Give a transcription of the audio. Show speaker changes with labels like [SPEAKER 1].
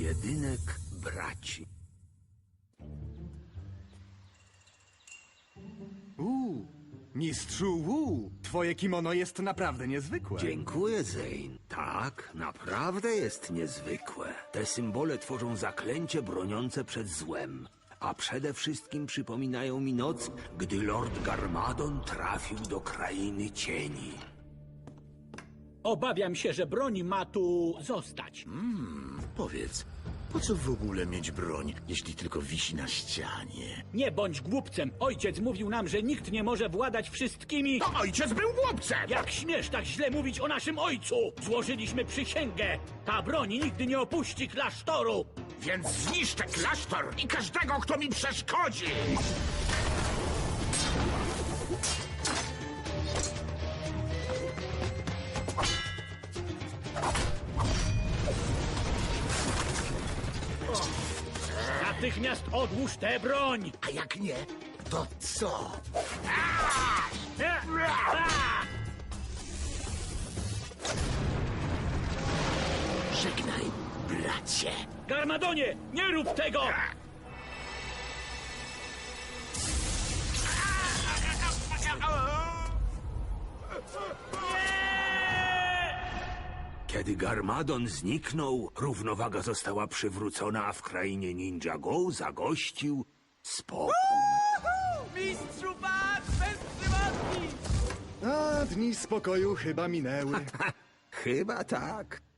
[SPEAKER 1] Pojedynek braci.
[SPEAKER 2] Mistrzu Wu, twoje kimono jest naprawdę niezwykłe.
[SPEAKER 1] Dziękuję, Zane. Tak, naprawdę jest niezwykłe. Te symbole tworzą zaklęcie broniące przed złem. A przede wszystkim przypominają mi noc, gdy Lord Garmadon trafił do Krainy Cieni.
[SPEAKER 3] Obawiam się, że broń ma tu zostać.
[SPEAKER 4] Powiedz, po co w ogóle mieć broń, jeśli tylko wisi na ścianie?
[SPEAKER 3] Nie bądź głupcem. Ojciec mówił nam, że nikt nie może władać wszystkimi.
[SPEAKER 5] To ojciec był głupcem!
[SPEAKER 3] Jak śmiesz tak źle mówić o naszym ojcu? Złożyliśmy przysięgę. Ta broń nigdy nie opuści klasztoru.
[SPEAKER 5] Więc zniszczę klasztor i każdego, kto mi przeszkodzi!
[SPEAKER 3] Natychmiast odłóż tę broń.
[SPEAKER 5] A jak nie, to co?
[SPEAKER 4] Żegnaj, bracie.
[SPEAKER 3] Garmadonie, nie rób tego!
[SPEAKER 1] Kiedy Garmadon zniknął, równowaga została przywrócona, a w krainie Ninjago zagościł spokój.
[SPEAKER 6] Mistrzu Bat, bez przywodni!
[SPEAKER 2] A dni spokoju chyba minęły.
[SPEAKER 1] Chyba tak.